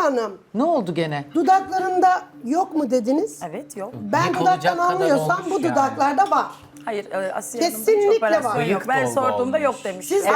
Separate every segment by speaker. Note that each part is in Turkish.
Speaker 1: Hanım,
Speaker 2: Ne oldu gene?
Speaker 1: dudaklarında yok mu dediniz?
Speaker 3: Evet yok.
Speaker 1: Ben
Speaker 4: Yıkılacak
Speaker 1: dudaktan
Speaker 4: kadar
Speaker 1: anlıyorsam
Speaker 4: olmuş
Speaker 1: bu
Speaker 4: yani.
Speaker 1: dudaklarda var.
Speaker 3: Hayır Asiye Hanım'da hiç
Speaker 1: Kesinlikle
Speaker 3: operasyon
Speaker 1: var.
Speaker 3: yok.
Speaker 4: Bıyık
Speaker 3: Ben
Speaker 4: dolgu
Speaker 3: sorduğumda
Speaker 4: olmuş.
Speaker 3: yok demiş.
Speaker 1: Sizde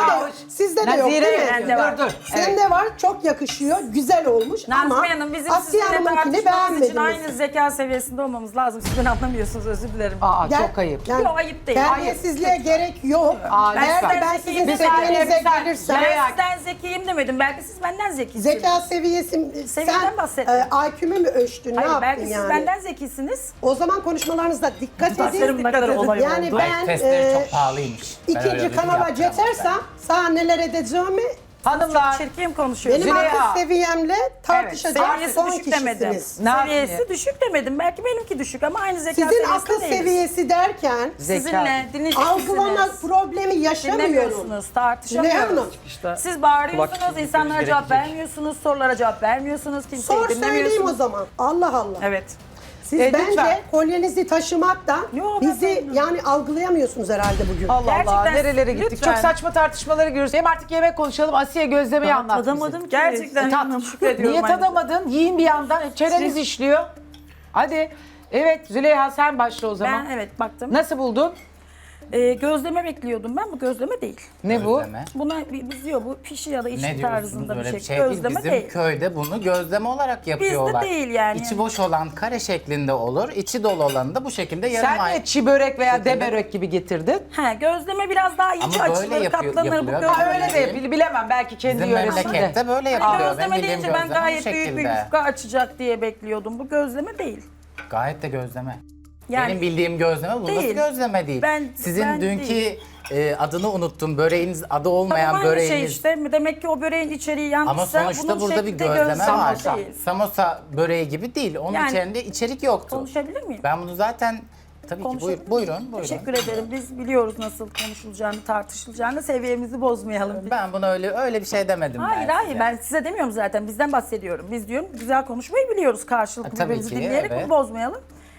Speaker 1: de yok
Speaker 2: Nazire,
Speaker 1: değil mi?
Speaker 3: Bende var.
Speaker 2: dur.
Speaker 1: Sende var, çok yakışıyor, güzel olmuş ama
Speaker 3: Nazmiye Hanım bizim
Speaker 1: Asiye
Speaker 3: sizinle
Speaker 1: Hanım'ınkini
Speaker 3: tartışmamız için
Speaker 1: beğenmediniz.
Speaker 3: aynı zeka seviyesinde olmamız lazım. Siz beni anlamıyorsunuz, özür dilerim.
Speaker 2: Aa
Speaker 1: Gel-
Speaker 2: çok ayıp.
Speaker 1: yani
Speaker 3: Yok, ayıp değil.
Speaker 1: Terbiyesizliğe gerek yok.
Speaker 2: Aa,
Speaker 1: Eğer
Speaker 2: lütfen.
Speaker 1: ki ben sizin
Speaker 3: Bir
Speaker 1: seviyenize
Speaker 2: saniye.
Speaker 1: gelirsem...
Speaker 3: Ben sizden zekiyim demedim. Belki siz benden zekisiniz.
Speaker 1: Zeka seviyesi...
Speaker 3: Seviyeden
Speaker 1: Sen
Speaker 3: bahsettim.
Speaker 1: IQ'mu mu ölçtün?
Speaker 3: Hayır,
Speaker 1: ne yaptın
Speaker 3: belki siz
Speaker 1: yani?
Speaker 3: benden zekisiniz.
Speaker 1: O zaman konuşmalarınızda dikkat
Speaker 3: Tasarım
Speaker 1: edin.
Speaker 3: ne kadar olay
Speaker 1: Yani
Speaker 3: oldu.
Speaker 1: ben
Speaker 4: Testleri çok pahalıymış. Ben öyle
Speaker 1: ikinci
Speaker 4: ödül
Speaker 1: kanala
Speaker 4: yapacağım
Speaker 1: geçersem sana neler edeceğimi
Speaker 2: Hanımlar,
Speaker 3: Çirkin konuşuyorsunuz.
Speaker 1: benim
Speaker 2: Züleyha.
Speaker 1: akıl seviyemle tartışacak
Speaker 3: Seviyesi
Speaker 1: son
Speaker 3: düşük demedim.
Speaker 1: kişisiniz.
Speaker 2: Ne
Speaker 3: Seviyesi
Speaker 2: yapayım?
Speaker 3: düşük demedim. Belki benimki düşük ama aynı zeka
Speaker 1: Sizin
Speaker 3: seviyesinde
Speaker 1: akıl
Speaker 3: değiliz.
Speaker 1: seviyesi derken
Speaker 3: Sizinle
Speaker 1: algılama
Speaker 3: dinleyeceksiniz.
Speaker 1: problemi yaşamıyorum.
Speaker 3: Dinlemiyorsunuz,
Speaker 1: Züleyha
Speaker 3: tartışamıyoruz.
Speaker 1: Hanım,
Speaker 3: Siz bağırıyorsunuz, insanlara cevap vermiyorsunuz, sorulara cevap vermiyorsunuz, kimseyi
Speaker 1: sor söyleyeyim o
Speaker 3: dinlemiyorsunuz.
Speaker 1: zaman. Allah Allah.
Speaker 3: Evet.
Speaker 1: Siz
Speaker 2: lütfen.
Speaker 1: bence kolyenizi taşımaktan
Speaker 3: Yo, ben
Speaker 1: bizi
Speaker 3: memnunum.
Speaker 1: yani algılayamıyorsunuz herhalde bugün.
Speaker 2: Allah Allah
Speaker 3: Gerçekten,
Speaker 2: nerelere gittik.
Speaker 3: lütfen.
Speaker 2: Çok saçma tartışmaları görüyoruz. Hem artık yemek konuşalım. Asiye gözlemeyi anlat bize.
Speaker 5: Tadamadım ki.
Speaker 3: Gerçekten
Speaker 2: Tat.
Speaker 3: şükrediyorum.
Speaker 2: Niye
Speaker 3: aynı.
Speaker 2: tadamadın? Yiyin bir yandan. Çeneniz işliyor. Hadi. Evet Züleyha sen başla o zaman.
Speaker 3: Ben evet baktım.
Speaker 2: Nasıl buldun?
Speaker 3: Gözleme bekliyordum ben, bu gözleme değil.
Speaker 2: Ne bu?
Speaker 4: Gözleme.
Speaker 3: Buna biz diyor bu pişi ya da içli
Speaker 4: Ne diyorsunuz
Speaker 3: tarzında bir
Speaker 4: öyle
Speaker 3: şey.
Speaker 4: bir şey değil.
Speaker 3: Gözleme
Speaker 4: Bizim
Speaker 3: değil.
Speaker 4: köyde bunu gözleme olarak yapıyorlar.
Speaker 3: değil yani.
Speaker 4: İçi boş olan kare şeklinde olur. İçi dolu olanı da bu şekilde yarım
Speaker 2: Sen
Speaker 4: ay.
Speaker 2: niye çi börek veya
Speaker 4: şekilde-
Speaker 2: de börek gibi getirdin?
Speaker 3: He, gözleme biraz daha ince
Speaker 4: Ama böyle
Speaker 3: açılır,
Speaker 4: yapıyor-
Speaker 3: katlanır. Bu
Speaker 4: yapılıyor.
Speaker 3: gözleme
Speaker 2: Ha, öyle de bilemem belki kendi
Speaker 4: Bizim
Speaker 2: yöresinde.
Speaker 4: memlekette böyle
Speaker 3: Hani
Speaker 4: yapılıyor. Benim
Speaker 3: gözleme
Speaker 4: bildiğim
Speaker 3: deyince ben
Speaker 4: gözleme bu
Speaker 3: gayet büyük bir
Speaker 4: şekilde.
Speaker 3: yufka açacak diye bekliyordum. Bu gözleme değil.
Speaker 4: Gayet de gözleme.
Speaker 3: Yani
Speaker 4: Benim bildiğim gözleme bu. Nasıl
Speaker 3: değil.
Speaker 4: gözleme değil? Sizin
Speaker 3: Ben
Speaker 4: dünkü
Speaker 3: değil.
Speaker 4: adını unuttum. Böreğiniz adı olmayan
Speaker 3: tamam aynı
Speaker 4: böreğiniz.
Speaker 3: şey işte. Demek ki o böreğin içeriği
Speaker 4: Ama
Speaker 3: yanlışsa
Speaker 4: sonuçta
Speaker 3: bunun
Speaker 4: burada bir
Speaker 3: şekli de
Speaker 4: gözleme var.
Speaker 3: değil.
Speaker 4: Samosa böreği gibi değil. Onun
Speaker 3: Yani-
Speaker 4: içerisinde içerik yoktu.
Speaker 3: Konuşabilir miyim?
Speaker 4: Ben bunu zaten tabii ki
Speaker 3: Konuşabilir
Speaker 4: buyurun.
Speaker 3: miyim?
Speaker 4: Buyurun.
Speaker 3: Teşekkür ederim. Biz biliyoruz nasıl konuşulacağını, tartışılacağını. Seviyemizi bozmayalım.
Speaker 4: Ben buna öyle bir şey demedim
Speaker 3: Hayır
Speaker 4: ben
Speaker 3: hayır
Speaker 4: size.
Speaker 3: ben size demiyorum zaten. Bizden bahsediyorum. Biz diyorum güzel konuşmayı biliyoruz karşılıklı
Speaker 4: Tabii
Speaker 3: birbirimizi
Speaker 4: ki,
Speaker 3: dinleyerek
Speaker 4: evet.
Speaker 3: bunu bozmayalım.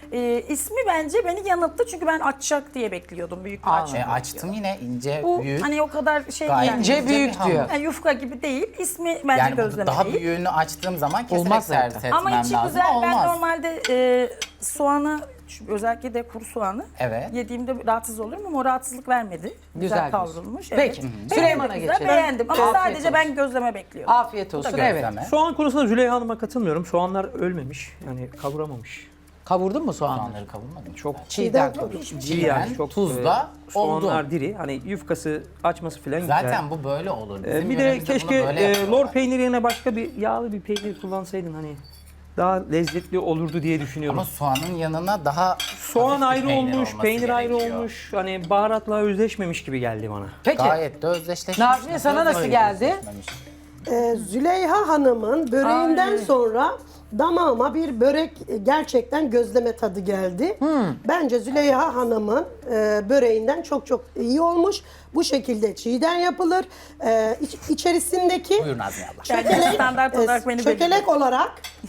Speaker 3: İsmi bence beni yanılttı çünkü ben açacak diye bekliyordum. Büyük bir açacak.
Speaker 4: Açtım yine ince,
Speaker 3: Bu
Speaker 4: büyük.
Speaker 3: hani o kadar şey
Speaker 4: Gayet
Speaker 3: yani.
Speaker 2: İnce
Speaker 4: bir
Speaker 2: büyük
Speaker 4: hamur.
Speaker 2: diyor.
Speaker 3: Yani yufka gibi değil. İsmi bence
Speaker 4: Yani
Speaker 3: gözleme
Speaker 4: daha
Speaker 3: değil.
Speaker 4: büyüğünü açtığım zaman keserek
Speaker 2: Olmaz zaten.
Speaker 4: servis etmem
Speaker 3: Ama içi
Speaker 4: lazım.
Speaker 3: güzel. Ben
Speaker 4: Olmaz.
Speaker 3: normalde soğanı özellikle de kuru soğanı
Speaker 4: Evet.
Speaker 3: yediğimde rahatsız olurum ama o rahatsızlık vermedi.
Speaker 2: Güzel
Speaker 3: Güzel
Speaker 2: diyorsun.
Speaker 3: kavrulmuş.
Speaker 2: Peki.
Speaker 3: Evet.
Speaker 2: Süleyman'a
Speaker 3: Beğendim, güzel,
Speaker 2: geçelim.
Speaker 3: Beğendim ama
Speaker 2: Afiyet
Speaker 3: sadece
Speaker 2: olsun.
Speaker 3: ben gözleme bekliyordum.
Speaker 2: Afiyet olsun evet.
Speaker 4: Gözleme.
Speaker 6: Soğan konusunda Züleyha Hanım'a katılmıyorum. Soğanlar ölmemiş. Yani kavuramamış.
Speaker 2: Kavurdun mu soğanları?
Speaker 4: Soğanları kavurmadım.
Speaker 6: Çok
Speaker 2: Çiğden kavurdum.
Speaker 6: diri yani. Çok
Speaker 4: tuzla
Speaker 6: soğanlar
Speaker 4: oldu.
Speaker 6: diri. Hani yufkası açması falan güzel.
Speaker 4: Zaten bu böyle olur. Bizim
Speaker 6: Bir de
Speaker 4: yöremizde bunu
Speaker 6: keşke
Speaker 4: böyle yapıyorlar.
Speaker 6: lor peyniri yerine başka bir yağlı bir peynir kullansaydın hani daha lezzetli olurdu diye düşünüyorum.
Speaker 4: Ama soğanın yanına daha
Speaker 6: Soğan
Speaker 4: hafif bir
Speaker 6: ayrı
Speaker 4: peynir
Speaker 6: olmuş,
Speaker 4: olması
Speaker 6: peynir ayrı
Speaker 4: gerekiyor.
Speaker 6: olmuş. Hani baharatla özleşmemiş gibi geldi bana.
Speaker 2: Peki.
Speaker 4: Gayet de özdeşleşmiş.
Speaker 2: Nazmiye, sana nasıl geldi?
Speaker 4: özdeşmemiş?
Speaker 1: Züleyha Hanım'ın böreğinden sonra damağıma bir börek gerçekten gözleme tadı geldi. Bence Züleyha Hanım'ın böreğinden çok çok iyi olmuş. Bu şekilde çiğden yapılır. İçerisindeki
Speaker 4: Buyurun Nazmiye abla.
Speaker 3: Yani standart olarak beni
Speaker 1: çökelek olarak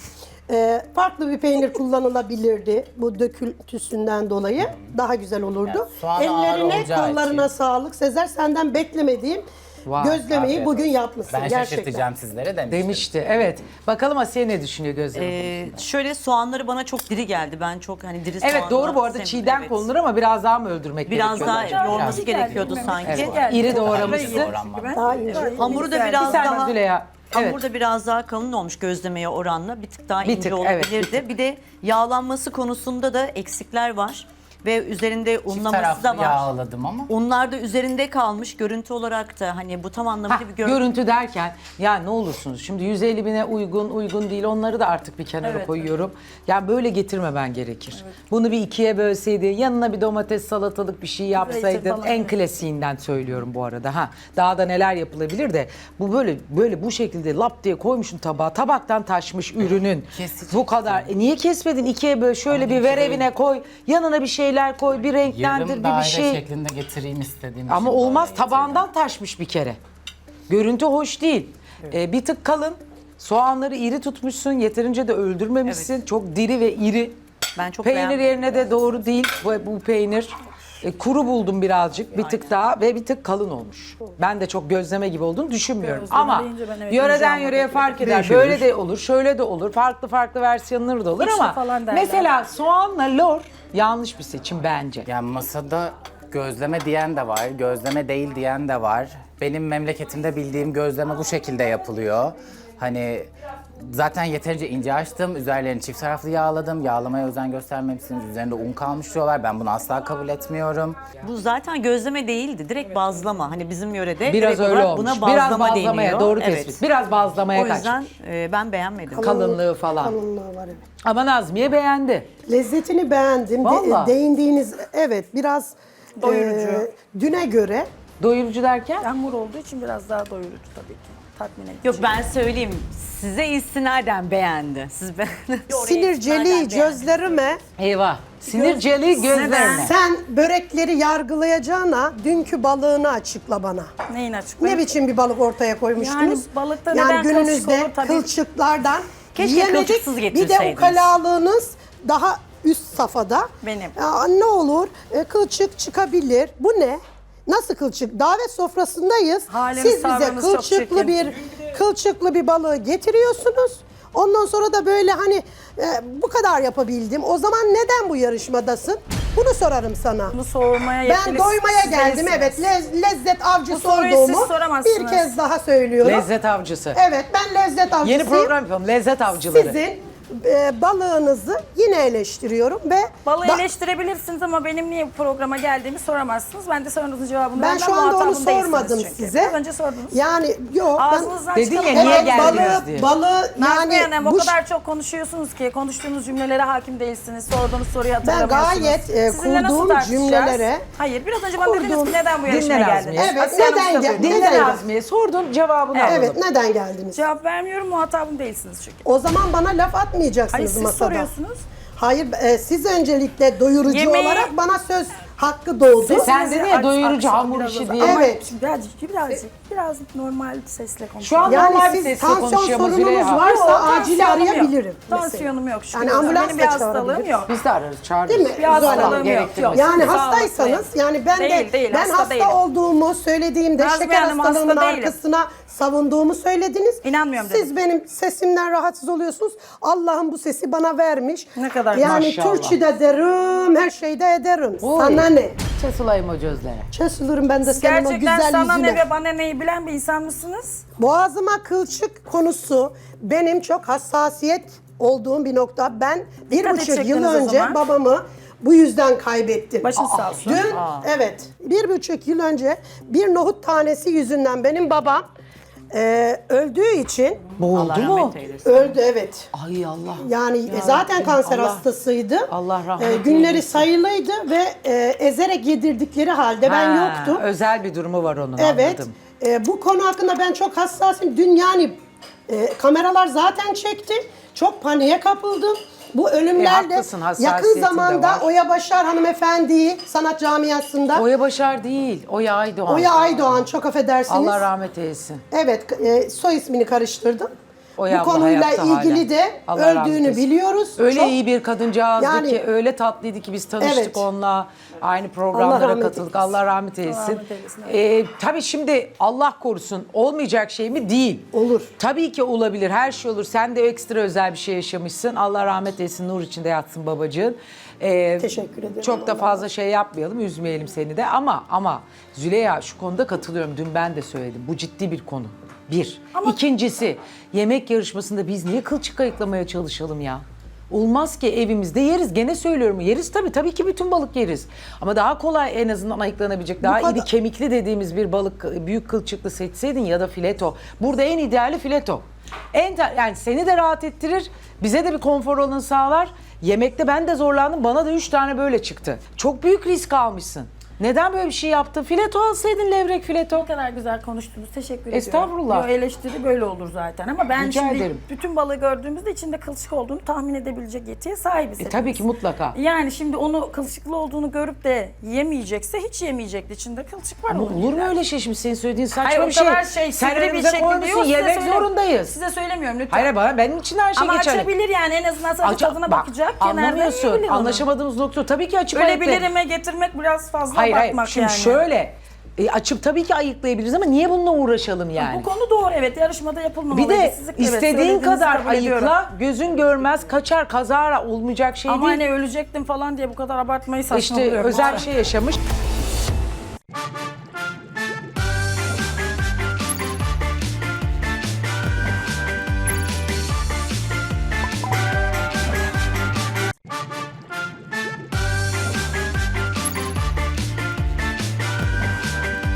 Speaker 1: farklı bir peynir kullanılabilirdi. Bu döküntüsünden dolayı daha güzel olurdu.
Speaker 4: Yani soğan ağır
Speaker 1: Ellerine,
Speaker 4: olacağı
Speaker 1: kollarına
Speaker 4: için.
Speaker 1: sağlık. Sezer, senden beklemediğim
Speaker 2: Vay,
Speaker 1: gözlemeyi
Speaker 4: afiyet
Speaker 1: bugün
Speaker 4: olsun.
Speaker 1: yapmışsın
Speaker 4: Ben
Speaker 1: gerçekten.
Speaker 4: şaşırtacağım sizlere demiştim.
Speaker 2: Demişti evet. Bakalım Asiye ne düşünüyor gözleme?
Speaker 5: Şöyle soğanları bana çok diri geldi. Ben çok hani diri soğanlar
Speaker 2: Evet doğru bu arada
Speaker 5: sevmiyorum.
Speaker 2: çiğden
Speaker 5: Evet.
Speaker 2: konulur ama biraz daha mı öldürmek
Speaker 5: Biraz
Speaker 2: gerekiyor?
Speaker 5: daha
Speaker 3: Biraz
Speaker 5: yoğurması
Speaker 3: geldi,
Speaker 5: gerekiyordu
Speaker 3: bilmiyorum.
Speaker 5: sanki.
Speaker 2: Evet.
Speaker 3: Geldi.
Speaker 2: İri
Speaker 3: Çok
Speaker 2: doğramışsın.
Speaker 3: daha iyi
Speaker 4: Doğranmamış.
Speaker 3: gibi.
Speaker 1: Daha ince.
Speaker 5: Hamuru da
Speaker 3: Güzel.
Speaker 5: biraz
Speaker 2: Bir saniye
Speaker 5: daha
Speaker 2: Züleyha. Evet.
Speaker 5: hamur da biraz daha kalın olmuş gözlemeye oranla. Bir tık daha
Speaker 2: Bir
Speaker 5: ince
Speaker 2: tık, evet,
Speaker 5: olabilirdi.
Speaker 2: bir tık.
Speaker 5: Bir de yağlanması konusunda da eksikler var. Ve üzerinde
Speaker 4: Çift
Speaker 5: unlaması
Speaker 4: taraflı
Speaker 5: da var.
Speaker 4: yağladım ama.
Speaker 5: Unlar da üzerinde kalmış. Görüntü olarak da hani bu tam anlamıyla
Speaker 2: Ha,
Speaker 5: bir görüntü.
Speaker 2: görüntü derken ya ne olursunuz şimdi 150 bine uygun değil onları da artık bir kenara
Speaker 3: Evet,
Speaker 2: koyuyorum. Ya böyle getirmemen gerekir. Bunu bir ikiye bölseydin yanına bir domates salatalık bir şey yapsaydın
Speaker 3: falan,
Speaker 2: en
Speaker 3: evet.
Speaker 2: klasiğinden söylüyorum bu arada. Ha daha da neler yapılabilir de bu böyle bu şekilde lap diye koymuşsun tabağa tabaktan taşmış ürünün.
Speaker 4: Keseceksin.
Speaker 2: Bu kadar. Niye kesmedin ikiye böl şöyle bir ver evine koy yanına bir şeyler koy bir renklendir
Speaker 4: Yarım
Speaker 2: bir
Speaker 4: daire
Speaker 2: şey.
Speaker 4: şeklinde getireyim istediğim
Speaker 2: Ama
Speaker 4: için
Speaker 2: olmaz
Speaker 4: böyle
Speaker 2: tabağından taşmış bir kere. Görüntü hoş değil. Bir tık kalın. Soğanları iri tutmuşsun. Yeterince de öldürmemişsin.
Speaker 5: Evet.
Speaker 2: Çok diri ve iri.
Speaker 5: Ben çok
Speaker 2: Peynir
Speaker 5: beğendim.
Speaker 2: yerine de doğru değil bu peynir. Kuru buldum birazcık, bir tık daha ve bir tık kalın olmuş. Ben de çok gözleme gibi olduğunu düşünmüyorum.
Speaker 3: Gözleme
Speaker 2: Ama
Speaker 3: deyince ben evet
Speaker 2: yöreden
Speaker 3: yiyeceğim
Speaker 2: yöreye
Speaker 3: onu
Speaker 2: fark eder.
Speaker 6: Değişebilir.
Speaker 2: Böyle de olur, şöyle de olur. Farklı farklı versiyonları da olur
Speaker 3: İçli
Speaker 2: ama
Speaker 3: falan derler.
Speaker 2: mesela soğanla lor yanlış bir seçim bence.
Speaker 4: Yani masada gözleme diyen de var, gözleme değil diyen de var. Benim memleketimde bildiğim gözleme bu şekilde yapılıyor. Hani zaten yeterince ince açtım, üzerlerini çift taraflı yağladım. Yağlamaya özen göstermemişsiniz, üzerinde un kalmış diyorlar. Ben bunu asla kabul etmiyorum.
Speaker 5: Bu zaten gözleme değildi. Direkt bazlama. Hani bizim yörede
Speaker 2: Biraz
Speaker 5: direkt
Speaker 2: öyle
Speaker 5: olarak
Speaker 2: olmuş.
Speaker 5: buna
Speaker 2: Biraz
Speaker 5: bazlama
Speaker 2: bazlamaya
Speaker 5: deniyor.
Speaker 2: doğru
Speaker 5: Evet.
Speaker 2: tespit. Biraz bazlamaya
Speaker 5: O
Speaker 2: kaç.
Speaker 5: yüzden ben beğenmedim.
Speaker 2: Kalınlığı falan.
Speaker 1: Kalınlığı var evet.
Speaker 2: Ama Nazmiye beğendi.
Speaker 1: Lezzetini beğendim.
Speaker 2: Vallahi.
Speaker 1: Değindiğiniz evet biraz
Speaker 3: Doyurucu.
Speaker 1: düne göre
Speaker 2: Doyurucu derken?
Speaker 3: Hamur olduğu için biraz daha doyurucu tabii ki. Tatmin edici.
Speaker 5: Yok ben söyleyeyim. Size istinaden beğendi. Siz
Speaker 1: sinirceli gözlerime
Speaker 2: Eyvah. Sinirceli gözlerine.
Speaker 1: sen börekleri yargılayacağına dünkü balığını açıkla bana.
Speaker 3: Neyin açıklayayım?
Speaker 1: Ne biçim bir balık ortaya koymuştunuz?
Speaker 3: Yani balıkta
Speaker 1: yani
Speaker 3: neden kılçık
Speaker 1: gününüzde
Speaker 3: olur tabii.
Speaker 1: kılçıklardan
Speaker 5: Keşke
Speaker 1: yiyemedik.
Speaker 5: kılçıksız
Speaker 1: Bir de
Speaker 5: getirseydiniz.
Speaker 1: ukalalığınız daha üst safhada.
Speaker 3: Benim.
Speaker 1: Ya, ne olur kılçık çıkabilir. Bu ne? Nasıl kılçık? Davet sofrasındayız.
Speaker 3: Haliniz,
Speaker 1: Siz bize
Speaker 3: tavrınız çok
Speaker 1: kılçıklı bir balığı getiriyorsunuz. Ondan sonra da böyle hani bu kadar yapabildim. O zaman neden bu yarışmadasın? Bunu sorarım sana.
Speaker 3: Bunu soğumaya
Speaker 1: Ben
Speaker 3: yetkili
Speaker 1: doymaya
Speaker 3: siz
Speaker 1: geldim.
Speaker 3: değilsiniz.
Speaker 1: Evet, lezzet avcısı
Speaker 3: Bu soruyu
Speaker 1: olduğumu
Speaker 3: siz soramazsınız.
Speaker 1: bir kez daha söylüyorum.
Speaker 2: Lezzet avcısı.
Speaker 1: Evet, ben lezzet avcısıyım.
Speaker 2: Yeni program yapalım. Lezzet avcıları.
Speaker 1: Sizin balığınızı yine eleştiriyorum ve
Speaker 3: Balığı
Speaker 1: da-
Speaker 3: eleştirebilirsiniz ama benim niye bu programa geldiğimi soramazsınız. Ben de sorunuzun cevabını
Speaker 1: ben
Speaker 3: vermem,
Speaker 1: şu anda onu
Speaker 3: muhatabım değilsiniz
Speaker 1: sormadım
Speaker 3: çünkü.
Speaker 1: size.
Speaker 3: Biraz önce sordunuz.
Speaker 1: Yani yok.
Speaker 3: Ağzınızdan
Speaker 2: Dedin ya,
Speaker 3: çıkan-
Speaker 2: niye
Speaker 1: Evet,
Speaker 2: geldiniz diye.
Speaker 1: balığı
Speaker 3: Nazmiye
Speaker 1: yani
Speaker 3: Hanım o
Speaker 1: bu
Speaker 3: kadar çok konuşuyorsunuz ki konuştuğunuz cümlelere hakim değilsiniz. Sorduğunuz soruyu
Speaker 1: ben
Speaker 3: hatırlamıyorsunuz.
Speaker 1: gayet
Speaker 3: Sizinle nasıl
Speaker 1: kurduğum
Speaker 3: tartışacağız?
Speaker 1: cümlelere
Speaker 3: Hayır biraz önce bana dediniz ki neden bu
Speaker 2: Dinle
Speaker 3: yarışmaya
Speaker 2: Nazmiye.
Speaker 3: geldiniz?
Speaker 1: Evet,
Speaker 3: Asiye Hanım
Speaker 1: neden
Speaker 3: size
Speaker 1: gel-
Speaker 3: buyurun.
Speaker 2: Dinle
Speaker 1: Neden?
Speaker 2: Nazmiye. Sordun cevabını alalım.
Speaker 1: evet neden geldiniz?
Speaker 3: Cevap vermiyorum muhatabım değilsiniz çünkü.
Speaker 1: O zaman bana laf
Speaker 3: Hayır
Speaker 1: atmayacaksınız
Speaker 3: siz
Speaker 1: masada.
Speaker 3: soruyorsunuz.
Speaker 1: Hayır, siz öncelikle doyurucu
Speaker 3: Yemeği-
Speaker 1: olarak bana söz hakkı doğdu.
Speaker 2: Sen dedin ya doyurucu
Speaker 3: Aksan
Speaker 2: hamur
Speaker 3: biraz
Speaker 2: işi
Speaker 3: o-
Speaker 2: diye.
Speaker 3: Ama
Speaker 1: Evet.
Speaker 3: şimdi biraz normal sesle
Speaker 2: Şu
Speaker 3: konuşuyorum.
Speaker 2: an
Speaker 1: Yani
Speaker 2: normal bir
Speaker 1: siz
Speaker 2: sesle
Speaker 1: tansiyon
Speaker 2: konuşuyor ama
Speaker 1: sorununuz
Speaker 2: Züleyha.
Speaker 1: varsa
Speaker 3: Yok,
Speaker 1: acil
Speaker 3: tansiyonum
Speaker 1: arayabilirim.
Speaker 3: yok.
Speaker 1: mesela.
Speaker 3: Tansiyonum yok. şükür
Speaker 1: Yani
Speaker 3: olsun.
Speaker 1: ambulans
Speaker 3: Benim
Speaker 1: da
Speaker 3: bir hastalığım
Speaker 1: çağırabilir.
Speaker 3: yok.
Speaker 2: Biz de ararız, çağırırız.
Speaker 1: Değil mi?
Speaker 3: Bir hastalığım
Speaker 1: Zuhal Hanım
Speaker 3: yok.
Speaker 2: gerektirmez.
Speaker 3: Yok.
Speaker 1: Yani
Speaker 3: Sağlıklıyım.
Speaker 1: hastaysanız yani ben
Speaker 3: Değil,
Speaker 1: ben
Speaker 3: hasta
Speaker 1: hasta
Speaker 3: değilim.
Speaker 1: olduğumu söylediğimde
Speaker 3: Nazmiye
Speaker 1: şeker
Speaker 3: Hanım,
Speaker 1: hastalığının
Speaker 3: hasta değilim.
Speaker 1: arkasına savunduğumu söylediniz.
Speaker 3: İnanmıyorum
Speaker 1: Siz
Speaker 3: dedim.
Speaker 1: benim sesimden rahatsız oluyorsunuz. Allah'ım bu sesi bana vermiş.
Speaker 3: Ne kadar
Speaker 1: yani
Speaker 2: maşallah.
Speaker 1: Türkçe de derim, her şeyde ederim.
Speaker 2: Oy.
Speaker 1: Sana ne?
Speaker 2: Çesulayım o gözlere.
Speaker 1: Çözülürüm ben de senin o
Speaker 3: Gerçekten
Speaker 1: güzel
Speaker 3: sana
Speaker 1: yüzüne.
Speaker 3: ne ve bana neyi bilen bir insan mısınız?
Speaker 1: Boğazıma kılçık konusu benim çok hassasiyet olduğum bir nokta. Ben bir
Speaker 3: Dikkat
Speaker 1: buçuk yıl
Speaker 3: edecektiniz o
Speaker 1: önce
Speaker 3: zaman.
Speaker 1: babamı bu yüzden kaybettim.
Speaker 3: Başın sağ olsun.
Speaker 1: Dün evet 1,5 yıl önce bir nohut tanesi yüzünden benim babam öldüğü için
Speaker 2: Boğuldu mu?
Speaker 5: rahmet eylesin.
Speaker 1: öldü evet.
Speaker 2: Ay Allah.
Speaker 1: Yani zaten kanser
Speaker 2: Allah-
Speaker 1: hastasıydı.
Speaker 2: Allah rahmet
Speaker 1: Günleri
Speaker 2: eylesin.
Speaker 1: sayılıydı ve ezerek yedirdikleri halde ben
Speaker 2: Ha,
Speaker 1: yoktum.
Speaker 2: Özel bir durumu var onun,
Speaker 1: Evet.
Speaker 2: anladım.
Speaker 1: Bu konu hakkında ben çok hassasım. Dün yani kameralar zaten çekti. Çok paniğe kapıldım. Bu ölümlerle
Speaker 2: haklısın, hassasiyetin
Speaker 1: yakın
Speaker 2: de
Speaker 1: zamanda
Speaker 2: var.
Speaker 1: Oya Başar hanımefendiyi sanat camiasında
Speaker 2: Oya Başar değil, Oya Aydoğan.
Speaker 1: Oya Aydoğan çok affedersiniz.
Speaker 2: Allah rahmet eylesin.
Speaker 1: Evet, soy ismini karıştırdım.
Speaker 2: Oya
Speaker 1: Bu
Speaker 2: abla
Speaker 1: konuyla
Speaker 2: hayatta
Speaker 1: ilgili
Speaker 2: hala.
Speaker 1: de
Speaker 2: Allah rahmet
Speaker 1: öldüğünü
Speaker 2: eylesin.
Speaker 1: biliyoruz.
Speaker 2: Öyle
Speaker 1: Çok-
Speaker 2: iyi bir kadıncağızdı
Speaker 1: Yani-
Speaker 2: ki, öyle tatlıydı ki biz tanıştık
Speaker 1: Evet.
Speaker 2: onunla. Aynı
Speaker 1: Allah
Speaker 2: programlara
Speaker 1: rahmet
Speaker 2: katıldık.
Speaker 1: eylesin.
Speaker 2: Allah rahmet eylesin.
Speaker 3: rahmet eylesin,
Speaker 2: Tabii şimdi Allah korusun olmayacak şey mi? Değil.
Speaker 1: Olur.
Speaker 2: Tabii ki olabilir. Her şey olur. Sen de ekstra özel bir şey yaşamışsın. Allah rahmet eylesin. Nur içinde yatsın babacığın.
Speaker 1: Teşekkür ederim.
Speaker 2: Çok da fazla şey yapmayalım, üzmeyelim seni de. Ama Züleyha, şu konuda katılıyorum. Dün ben de söyledim. Bu ciddi bir konu. Bir. İkincisi, yemek yarışmasında biz niye kılçık ayıklamaya çalışalım ya? Olmaz ki, evimizde yeriz. Gene söylüyorum, yeriz tabii ki bütün balık yeriz. Ama daha kolay en azından ayıklanabilecek, daha
Speaker 1: kadar-
Speaker 2: iri kemikli dediğimiz bir balık, büyük kılçıklı seçseydin ya da fileto. Burada en ideali fileto. Yani seni de rahat ettirir, bize de bir konfor alanı sağlar. Yemekte ben de zorlandım, bana da 3 tane böyle çıktı. Çok büyük risk almışsın. Neden böyle bir şey yaptın? Fileto alsaydın, levrek fileto.
Speaker 3: Ne kadar güzel konuştunuz. Teşekkür ediyorum.
Speaker 2: Estağfurullah.
Speaker 3: Yo, eleştiri böyle olur zaten ama ben
Speaker 2: Rica
Speaker 3: şimdi
Speaker 2: ederim.
Speaker 3: bütün balığı gördüğümüzde içinde kılçık olduğunu tahmin edebilecek yetiye sahibiz.
Speaker 2: Tabii
Speaker 3: hepimiz.
Speaker 2: ki mutlaka.
Speaker 3: Yani şimdi onu kılçıklı olduğunu görüp de yemeyecekse hiç yemeyecekti. İçinde kılçık var.
Speaker 2: Ama
Speaker 3: onun
Speaker 2: olur mu
Speaker 3: yani.
Speaker 2: öyle şey şimdi senin söylediğin
Speaker 3: Hayır,
Speaker 2: saçma
Speaker 3: o
Speaker 2: bir şey.
Speaker 3: kadar
Speaker 2: Sen
Speaker 3: sivri bir
Speaker 2: önümüze
Speaker 3: şekilde
Speaker 2: koymuşsun,
Speaker 3: diyor, size
Speaker 2: yemek
Speaker 3: söylemiyorum.
Speaker 2: zorundayız.
Speaker 3: Size söylemiyorum lütfen.
Speaker 2: Hayır bana, benim için her şey
Speaker 3: Ama
Speaker 2: geçerli.
Speaker 3: açabilir yani en azından sadece tadına
Speaker 2: Bak,
Speaker 3: bakacak. kenardan
Speaker 2: anlamıyorsun.
Speaker 3: yiyebilir onu.
Speaker 2: Anlaşamadığımız nokta tabii ki açıp
Speaker 3: Öyle
Speaker 2: ayıkla-
Speaker 3: bilirime getirmek biraz fazla
Speaker 2: Hayır hayır.
Speaker 3: bakmak
Speaker 2: Şimdi
Speaker 3: yani.
Speaker 2: şöyle açıp tabii ki ayıklayabiliriz ama niye bununla uğraşalım yani?
Speaker 3: Bu konu doğru, evet, yarışmada
Speaker 2: Bir
Speaker 3: yapılmamalıydı.
Speaker 2: de
Speaker 3: Siz, evet,
Speaker 2: istediğin
Speaker 3: söylediğinizi
Speaker 2: kadar
Speaker 3: kabul ediyorum.
Speaker 2: ayıkla, gözün görmez, kaçar, kazara olmayacak şey
Speaker 3: Ama
Speaker 2: değil.
Speaker 3: hani ölecektim falan diye bu kadar abartmayı saçma
Speaker 2: İşte
Speaker 3: buluyorum.
Speaker 2: özel bir şey yaşamış.